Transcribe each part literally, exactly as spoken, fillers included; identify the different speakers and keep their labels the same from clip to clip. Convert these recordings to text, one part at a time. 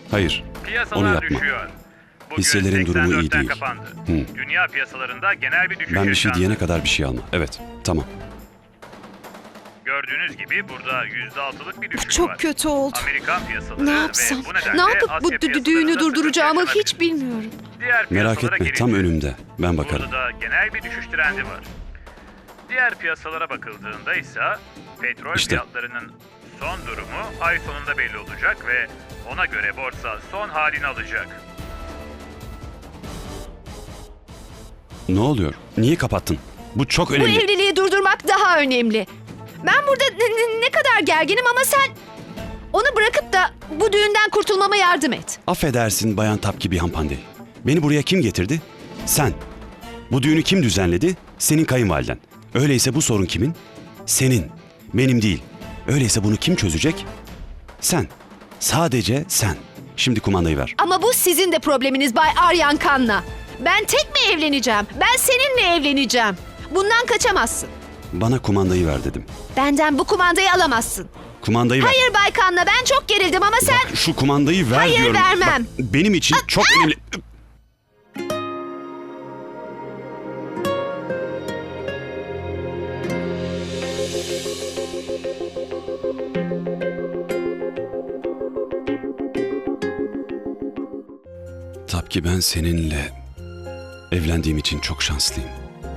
Speaker 1: Hayır,
Speaker 2: Piyasalar
Speaker 1: onu yapma.
Speaker 2: düşüyor. Bugün
Speaker 1: Hisselerin durumu iyi
Speaker 2: seksen dörtten
Speaker 1: değil.
Speaker 2: kapandı.
Speaker 1: Hı.
Speaker 2: Dünya piyasalarında genel bir düşüş
Speaker 1: Ben bir şey
Speaker 2: yaşandı.
Speaker 1: diyene kadar bir şey alma. Evet, tamam.
Speaker 2: Gördüğünüz gibi burada yüzde altılık bir düşüş
Speaker 3: Çok
Speaker 2: var.
Speaker 3: kötü oldu.
Speaker 2: Amerikan piyasaları
Speaker 3: Ne
Speaker 2: ve
Speaker 3: yapsam?
Speaker 2: bu nedenle
Speaker 3: Ne yapıp bu
Speaker 2: Asya
Speaker 3: dü-
Speaker 2: piyasalarında
Speaker 3: düğünü
Speaker 2: sıkıntı
Speaker 3: durduracağımı
Speaker 2: yaşanabilir.
Speaker 3: hiç bilmiyorum.
Speaker 2: Diğer
Speaker 1: Merak
Speaker 2: piyasalara
Speaker 1: etme, tam
Speaker 2: geçelim.
Speaker 1: önümde. Ben bakarım.
Speaker 2: Burada da genel bir düşüş trendi var. Diğer piyasalara bakıldığında ise petrol
Speaker 1: İşte.
Speaker 2: fiyatlarının son durumu ay sonunda belli olacak ve ona göre borsa son halini alacak.
Speaker 1: Ne oluyor? Niye kapattın? Bu çok
Speaker 3: Bu
Speaker 1: önemli.
Speaker 3: evliliği durdurmak daha önemli. Ben burada ne, ne- ne kadar gerginim ama sen onu bırakıp da bu düğünden kurtulmama yardım et.
Speaker 1: Affedersin Bayan Tapki bir hanımefendi. Beni buraya kim getirdi? Sen. Bu düğünü kim düzenledi? Senin kayınvaliden. Öyleyse bu sorun kimin? Senin. Benim değil. Öyleyse bunu kim çözecek? Sen. Sadece sen. Şimdi kumandayı ver.
Speaker 3: Ama bu sizin de probleminiz Bay Aryan Kan'la. Ben tek mi evleneceğim? Ben seninle evleneceğim. Bundan kaçamazsın.
Speaker 1: Bana kumandayı ver dedim.
Speaker 3: Benden bu kumandayı alamazsın.
Speaker 1: Kumandayı ver.
Speaker 3: Hayır Bay Kan'la ben çok gerildim ama sen...
Speaker 1: Bak, şu kumandayı ver
Speaker 3: Hayır,
Speaker 1: diyorum.
Speaker 3: vermem.
Speaker 1: Bak, benim için çok önemli. Tabii ben seninle evlendiğim için çok şanslıyım.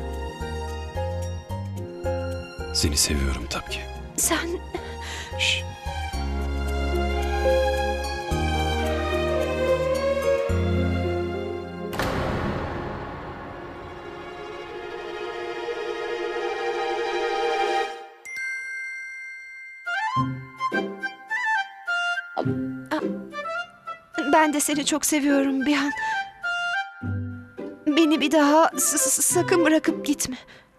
Speaker 1: Seni seviyorum tabii ki.
Speaker 3: Sen...
Speaker 1: Şş.
Speaker 3: Ben de seni çok seviyorum bir an. Beni bir daha s- s- sakın bırakıp gitme.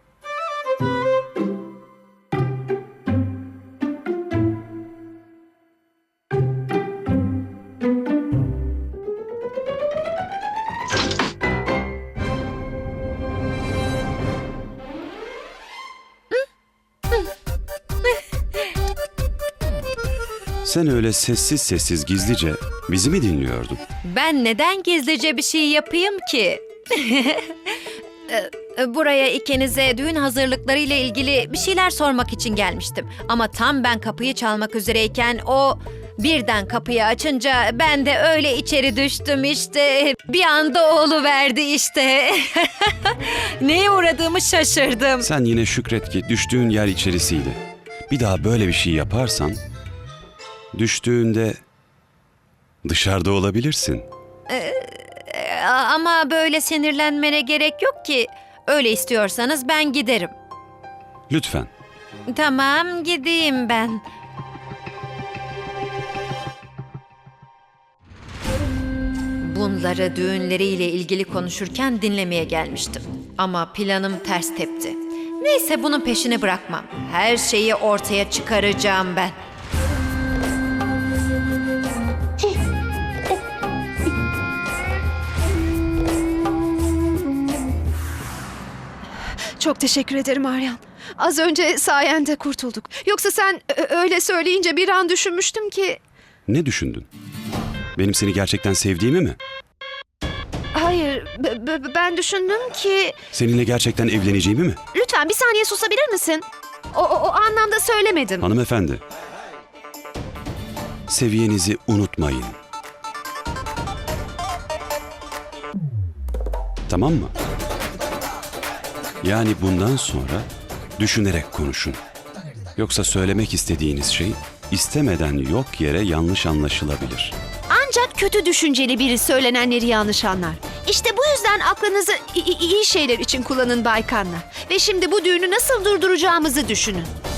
Speaker 1: Sen öyle sessiz sessiz gizlice bizi mi dinliyordun?
Speaker 4: Ben neden gizlice bir şey yapayım ki? E, Buraya ikinize düğün hazırlıkları ile ilgili bir şeyler sormak için gelmiştim. Ama tam ben kapıyı çalmak üzereyken o birden kapıyı açınca ben de öyle içeri düştüm işte. Bir anda oğluverdi işte. Neye uğradığımı şaşırdım.
Speaker 1: Sen yine şükret ki düştüğün yer içerisiydi. Bir daha böyle bir şey yaparsan düştüğünde dışarıda olabilirsin.
Speaker 4: E, Ama böyle sinirlenmene gerek yok ki. Öyle istiyorsanız ben giderim.
Speaker 1: Lütfen.
Speaker 4: Tamam, gideyim ben. Bunları düğünleriyle ilgili konuşurken dinlemeye gelmiştim. Ama planım ters tepti. Neyse, bunun peşini bırakmam. Her şeyi ortaya çıkaracağım ben.
Speaker 3: Çok teşekkür ederim Aryan. Az önce sayende kurtulduk. Yoksa sen ö- öyle söyleyince bir an düşünmüştüm ki...
Speaker 1: Ne düşündün? Benim seni gerçekten sevdiğimi mi?
Speaker 3: Hayır, b- b- ben düşündüm ki...
Speaker 1: Seninle gerçekten evleneceğimi mi?
Speaker 3: Lütfen bir saniye susabilir misin? O, o, o anlamda söylemedim.
Speaker 1: Hanımefendi. Seviyenizi unutmayın. Tamam mı? Yani bundan sonra düşünerek konuşun. Yoksa söylemek istediğiniz şey istemeden yok yere yanlış anlaşılabilir.
Speaker 3: Ancak kötü düşünceli biri söylenenleri yanlış anlar. İşte bu yüzden aklınızı i- i- iyi şeyler için kullanın Bay Kan'la. Ve şimdi bu düğünü nasıl durduracağımızı düşünün.